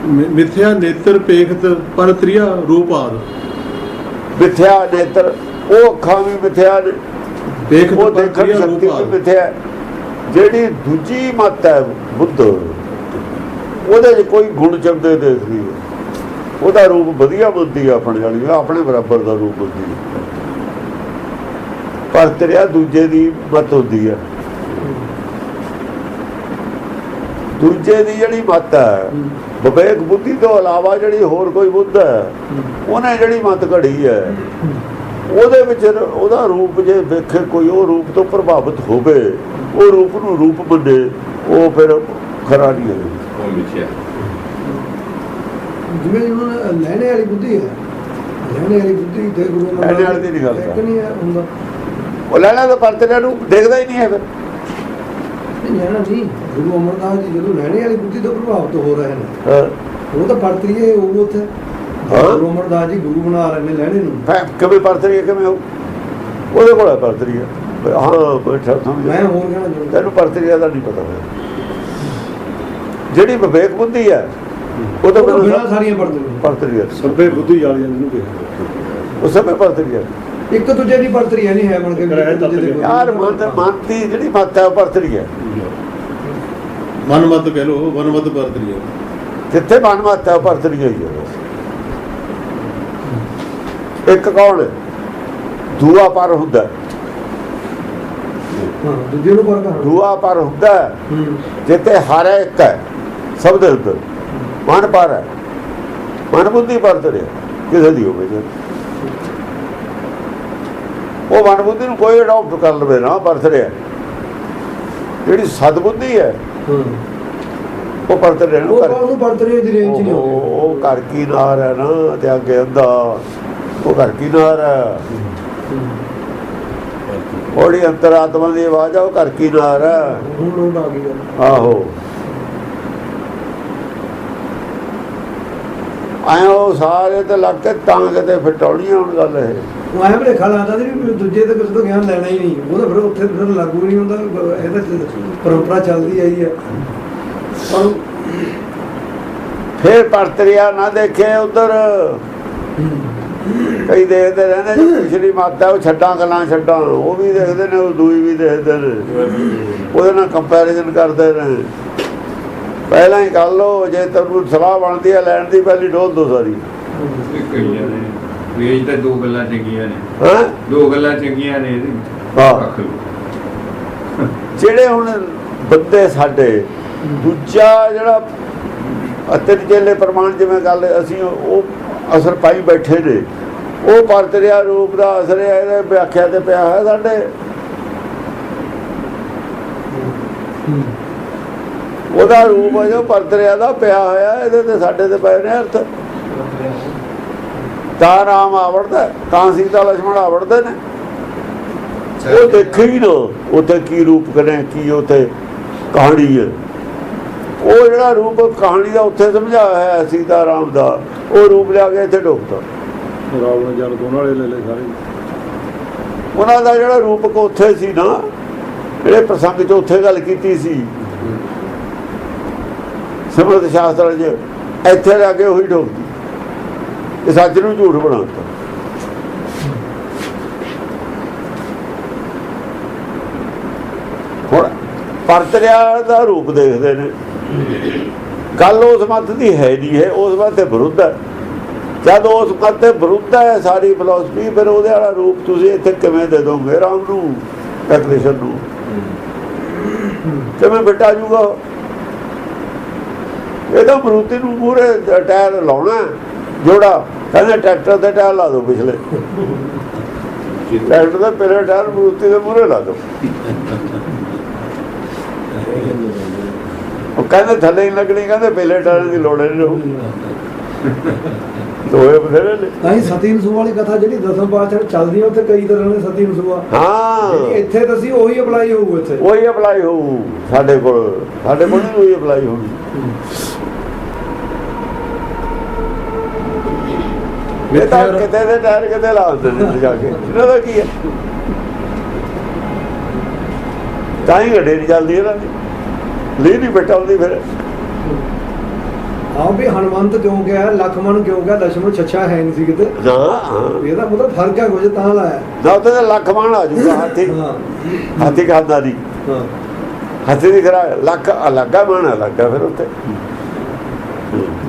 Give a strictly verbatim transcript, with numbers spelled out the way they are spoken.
ਮਿਥਿਆ ਨੇਤਰ ਪੇਖਤ ਪਰ ਤ੍ਰਿਆ ਰੂਪ ਆਦ। ਮਿਥਿਆ ਨੇਤਰ ਉਹ ਅੱਖਾਂ ਵੀ ਮਿਥਿਆ ਨੇ, ਪੇਖਤ ਉਹ ਪਰ ਦੇਖਣ ਤ੍ਰਿਆ ਸ਼ਕਤੀ ਰੂਪ ਵੀ ਆਦ। ਮਿਥਿਆ। ਜਿਹੜੀ ਦੂਜੀ ਮੱਤ ਹੈ ਬੁੱਧ, ਉਹਦੇ 'ਚ ਕੋਈ ਗੁਣ ਚੰਗੇ ਦੇਖਦੀ ਹੈ, ਉਹਦਾ ਰੂਪ ਵਧੀਆ ਬੁੱਧੀ ਆਪਣੇ ਵਾਲੀ, ਆਪਣੇ ਬਰਾਬਰ ਦਾ ਰੂਪ ਬੁੱਧੀ। ਪਰ ਤੇਰਿਆ ਦੂਜੇ ਦੀ ਮੱਤ ਹੁੰਦੀ ਹੈ, ਦੂਜੇ ਦੀ ਜਿਹੜੀ ਮੱਤ ਹੈ ਵਿਵੇਕ ਬੁੱਧੀ ਤੋਂ ਇਲਾਵਾ ਜਿਹੜੀ ਹੋਰ ਕੋਈ ਬੁੱਧ ਹੈ, ਉਹਨੇ ਜਿਹੜੀ ਮੱਤ ਘੜੀ ਹੈ, ਉਹਦੇ ਵਿੱਚ ਉਹਦਾ ਰੂਪ ਜੇ ਵੇਖੇ ਕੋਈ, ਉਹ ਰੂਪ ਤੋਂ ਪ੍ਰਭਾਵਿਤ ਹੋਵੇ, ਉਹ ਰੂਪ ਨੂੰ ਰੂਪ ਮੰਨੇ, ਉਹ ਫਿਰ ਖਰਾ ਨਹੀਂ ਹੈ। ਜਿਵੇਂ ਹੁਣ ਲੈਣੇ ਵਾਲੀ ਬੁੱਧੀ ਹੈ, ਲੈਣੇ ਵਾਲੀ ਬੁੱਧੀ ਤੇ ਗੁਰੂ ਲੈਣੇ ਵਾਲੀ ਦੀ ਨਹੀਂ ਗੱਲ ਕਰ, ਨਹੀਂ ਹੈ ਹੁੰਦਾ। ਉਹ ਲੈਣਾ ਤਾਂ ਪਰਤਰਿਆਂ ਨੂੰ ਦੇਖਦਾ ਹੀ ਨਹੀਂ ਹੈ। ਫਿਰ ਨਹੀਂ ਲੈਣਾ ਨਹੀਂ, ਗੁਰੂ ਅਮਰਦਾਸ ਜੀ ਜਦੋਂ ਲੈਣੇ ਵਾਲੀ ਬੁੱਧੀ ਤੋਂ ਪ੍ਰਭਾਵਿਤ ਹੋ ਰਹੇ ਨੇ, ਹਾਂ ਉਹ ਤਾਂ ਪਰਤਰੀਏ ਉਹ ਉੱਥੇ ਗੁਰੂ ਅਮਰਦਾਸ ਜੀ ਗੁਰੂ ਬਣਾ ਰਹੇ ਨੇ ਲੈਣੇ ਨੂੰ। ਕਿਵੇਂ ਪਰਤਰੀ ਕਿਵੇਂ ਹੋ, ਉਹਦੇ ਕੋਲ ਹੈ ਪਰਤਰੀ। ਹਾਂ ਬੈਠਾ ਸਮਝ, ਮੈਂ ਹੋਰ ਕਹਿਣਾ ਚਾਹੁੰਦਾ, ਤੈਨੂੰ ਪਰਤਰੀਆ ਦਾ ਨਹੀਂ ਪਤਾ ਹੋਇਆ। ਜਿਹੜੀ ਵਿਵੇਕ ਬੁੱਧੀ ਹੈ ਉਹ ਤਾਂ ਬਿਨਾਂ ਸਾਰੀਆਂ ਪਰਤਰੀਆਂ ਪਰਤਰੀਆ ਸਭੇ ਬੁੱਧੀ ਵਾਲੀਆਂ ਜਿਹਨੂੰ ਕਿਹਾ, ਉਹ ਸਭੇ ਪਰਤਰੀਆ। ਇੱਕ ਦੂਜੇ ਦੀ ਪਰਤਰੀਆ ਨਹੀਂ ਹੈ ਬਣ ਕੇ ਯਾਰ ਮਨ ਮਨ ਦੀ ਜਿਹੜੀ ਮੱਤ ਹੈ ਉਹ ਪਰਤਰੀ ਹੈ। ਮਨਮਤ ਕਹਿ ਲੋ, ਮਨਮਤ ਪਰਤਰੀ ਹੈ। ਜਿੱਥੇ ਮਨ ਮੱਤ ਹੈ ਉਹ ਪਰਤਰੀ ਹੋਈ ਹੈ। ਇੱਕ ਕੌਣ ਦੂਆ ਪਰ ਹੁੰਦਾ, ਦੂਜੇ ਨੂੰ ਪਰ ਕਰ ਦੂਆ ਪਰ ਹੁੰਦਾ ਜਿੱਥੇ ਹਰ ਇੱਕ ਹੈ, ਸਭ ਦੇ ਅੰਦਰ ਮਨ ਪਰ ਹੈ। ਮਨ ਬੁੱਧੀ ਪਰਤਰੀ ਕਿਸੇ ਦੀ ਹੋਵੇ, ਉਹ ਮਨ ਬੁੱਧੀ ਨੂੰ ਕੋਈ ਅਡਾਪਟ ਕਰ ਲਵੇ ਨਾ, ਪਰਤ ਰਿਹਾ। ਜਿਹੜੀ ਸਦ ਬੁੱਧੀ ਹੈ ਉਹ ਪਰਤ ਰਿਹਾ, ਉਹ ਪਰਤਰੀ ਦੀ ਰੇਂਜ ਨਹੀਂ ਹੋਵੇ। ਉਹ ਘਰ ਕੀ ਨਾਰ ਹੈ ਨਾ, ਤੇ ਅੱਗੇ ਅੱਧਾ ਉਹ ਘਰ ਕੀ ਨਾਰ ਹੈ। ਉਹਦੀ ਅੰਤਰਾਤਮਾ ਦੀ ਆਵਾਜ਼ ਆ, ਉਹ ਘਰ ਕੀ ਨਾਰ ਹੈ। ਹੁਣ ਲੋਟ ਆ ਗਈ ਆਹੋ ਆਇਓ ਸਾਰੇ ਤੇ ਲੱਗ ਕੇ ਤਾਂ ਕਿਤੇ ਫਟਾਉਣੀ ਹੁਣ ਗੱਲ ਇਹ। ਉਹ ਐਂ ਭਲੇਖਾ ਲਾਉਂਦਾ ਸੀ ਵੀ ਦੂਜੇ ਤੇ ਕਿਸੇ ਤੋਂ ਗਿਆਨ ਲੈਣਾ ਹੀ ਨਹੀਂ, ਉਹ ਤਾਂ ਫਿਰ ਉੱਥੇ ਫਿਰ ਲਾਗੂ ਨਹੀਂ ਹੁੰਦਾ। ਇਹਦਾ ਪਰੰਪਰਾ ਚੱਲਦੀ ਆਈ ਹੈ। ਪਰ ਫਿਰ ਪਰਤਰਿਆ ਨਾ ਦੇਖੇ ਉਧਰ ਕਈ ਦੇਖਦੇ ਰਹਿੰਦੇ, ਜੋ ਪਿਛਲੀ ਮਾਤਾ ਉਹ ਛੱਡਾਂ ਗੱਲਾਂ ਛੱਡਾਂ ਉਹ ਵੀ ਦੇਖਦੇ ਨੇ, ਉਹ ਦੂਈ ਵੀ ਦੇਖਦੇ ਨੇ, ਉਹਦੇ ਨਾਲ ਕੰਪੈਰੀਜ਼ਨ ਕਰਦੇ ਨੇ। ਪਹਿਲਾਂ ਹੀ ਕਰ ਲਓ, ਜੇ ਤੁਹਾਨੂੰ ਸਲਾਹ ਬਣਦੀ ਹੈ ਲੈਣ ਦੀ, ਪਹਿਲੀ ਡੋਲ ਦੋ ਸਾਰੀ। ਵੇਜ ਤਾਂ ਦੋ ਗੱਲਾਂ ਚੰਗੀਆਂ ਨੇ, ਹਾਂ ਦੋ ਗੱਲਾਂ ਚੰਗੀਆਂ ਨੇ। ਜਿਹੜੇ ਹੁਣ ਬੰਦੇ ਸਾਡੇ ਦੂਜਾ ਜਿਹੜਾ ਅਤੇ ਚੇਲੇ ਪ੍ਰਮਾਣ ਜਿਵੇਂ ਗੱਲ ਅਸੀਂ ਉਹ ਅਸਰ ਪਾਈ ਬੈਠੇ ਨੇ, ਉਹ ਪਰਤਰਿਆ ਰੂਪ ਦਾ ਅਸਰ ਹੈ, ਇਹਦੇ ਵਿਆਖਿਆ ਤੇ ਪਿਆ ਹੈ ਸਾਡੇ। ਉਹਦਾ ਰੂਪ ਹੈ ਜੋ ਪਰਤਰਿਆ ਦਾ ਪਿਆ ਹੋਇਆ, ਇਹਦੇ ਤੇ ਸਾਡੇ ਤੇ ਪਏ ਨੇ ਅਰਥ। ਤਾਂ ਰਾਮ ਆਵੜਦਾ, ਤਾਂ ਸੀਤਾ ਲਛਮਣ ਆਵੜਦੇ ਨੇ। ਉਹ ਦੇਖੇ ਹੀ ਨਾ ਉੱਥੇ ਕੀ ਰੂਪ ਕਰੇ, ਕੀ ਉੱਥੇ ਕਹਾਣੀ ਹੈ। ਉਹ ਜਿਹੜਾ ਰੂਪ ਕਹਾਣੀ ਦਾ ਉੱਥੇ ਸਮਝਾਇਆ ਹੈ ਸੀਤਾ ਰਾਮ ਦਾ, ਉਹ ਰੂਪ ਲਿਆ ਕੇ ਇੱਥੇ ਡੋਬਤਾ। ਰਾਵਣ ਜਲ ਦੋਨਾਂ ਵਾਲੇ ਲੈ ਲੈ ਸਾਰੇ। ਉਹਨਾਂ ਦਾ ਜਿਹੜਾ ਰੂਪਕ ਉੱਥੇ ਸੀ ਨਾ, ਜਿਹੜੇ ਪ੍ਰਸੰਗ 'ਚ ਉੱਥੇ ਗੱਲ ਕੀਤੀ ਸੀ ਸਿਮਰਤ ਸ਼ਾਸਤਰ 'ਚ, ਇੱਥੇ ਲਿਆ ਕੇ ਉਹੀ ਡੋਬਦੀ। ਇਹ ਸੱਚ ਨੂੰ ਝੂਠ ਬਣਾਤਾ। ਹੁਣ ਪਰਤਰਿਆ ਦਾ ਰੂਪ ਦੇਖਦੇ ਨੇ, ਗੱਲ ਉਸ ਮੱਤ ਦੀ ਹੈ ਨਹੀਂ ਹੈ, ਉਸ ਮੱਤ ਦੇ ਵਿਰੁੱਧ ਹੈ। ਜਦ ਉਸ ਮੱਤ ਦੇ ਵਿਰੁੱਧ ਹੈ ਸਾਰੀ ਫਿਲਾਸਫੀ, ਫਿਰ ਉਹਦੇ ਵਾਲਾ ਰੂਪ ਤੁਸੀਂ ਇੱਥੇ ਕਿਵੇਂ ਦੇ ਦੋਗੇ ਰਾਮ ਨੂੰ, ਟੈਕਨੀਸ਼ੀਅਨ ਨੂੰ? ਕਿਵੇਂ ਬਿਟਾ ਜੂਗਾ? ਇਹ ਤਾਂ ਮਰੂਤੀ ਨੂੰ ਮੂਹਰੇ ਟਾਇਰ ਲਾਉਣਾ ਜੋੜਾ, ਕਹਿੰਦੇ ਟਰੈਕਟਰ ਦੇ ਟਾਇਰ ਲਾ ਦਿਓ ਪਿਛਲੇ, ਟਰੈਕਟਰ ਦੇ ਪਹਿਲੇ ਟਾਇਰ ਮਰੂਤੀ ਦੇ ਮੂਹਰੇ ਲਾ ਦਿਓ। ਉਹ ਕਹਿੰਦੇ ਥੱਲੇ ਹੀ ਲੱਗਣੀ, ਕਹਿੰਦੇ ਪਹਿਲੇ ਟਾਇਰਾਂ ਦੀ ਲੋੜ ਨਹੀਂ। ਦੋਏ ਬਥੇਰੇ ਨੇ। ਤਾਂ ਹੀ ਸਤੀ ਨਸੂਆ ਵਾਲੀ ਕਥਾ ਜਿਹੜੀ ਦਸਮ ਪਾਤਸ਼ਾਹ ਚੱਲਦੀ ਹੈ, ਉੱਥੇ ਕਈ ਤਰ੍ਹਾਂ ਦੇ ਸਤੀ ਨਸੂਆ। ਹਾਂ ਇੱਥੇ ਤਾਂ ਅਸੀਂ ਉਹੀ ਅਪਲਾਈ ਹੋਊ, ਇੱਥੇ ਉਹੀ ਅਪਲਾਈ ਹੋਊ। ਸਾਡੇ ਕੋਲ ਸਾਡੇ ਕੋਲ ਨਹੀਂ ਉਹੀ ਅਪਲਾਈ ਹੋਣੀ। ਇਹ ਤਾਂ ਕਿਤੇ ਦੇ ਟਾਇਰ ਕਿਤੇ ਲਾ ਦਿੰਦੇ ਨੇ ਜਾ ਕੇ, ਇਹਨਾਂ ਦਾ ਕੀ ਹੈ? ਤਾਂ ਹੀ ਗੱਡੀ ਨਹੀਂ ਚੱਲਦੀ ਇਹਨਾਂ ਦੀ, ਲੀ ਨਹੀਂ ਬੈਠਾ ਹੁੰਦੀ। ਫਿਰ ਹਾਂ ਵੀ ਹਨੂਮੰਤ ਕਿਉਂ ਗਿਆ, ਲਖਮਣ ਕਿਉਂ ਗਿਆ, ਲక్ష్మణ ਛੱਛਾ ਹੈ ਨਹੀਂ ਸੀ ਕਿਤੇ। ਨਾ ਹਾਂ ਇਹਦਾ ਮਤਲਬ ਫਰਕ ਹੈ ਕੁਝ ਤਾਂ ਲਾਇਆ। ਨਾ ਉੱਥੇ ਤਾਂ ਲੱਖ ਬਾਣ ਆ ਜੂਗਾ ਹਾਥੀ ਹਾਂ ਹਾਥੀ ਖਾਂਦਾ ਨਹੀਂ ਹਾਂ ਹਾਥੀ ਦੀ ਖਰਾ ਲੱਖ ਅਲੱਗਾ ਬਾਣ ਅਲੱਗਾ ਫਿਰ ਉੱਥੇ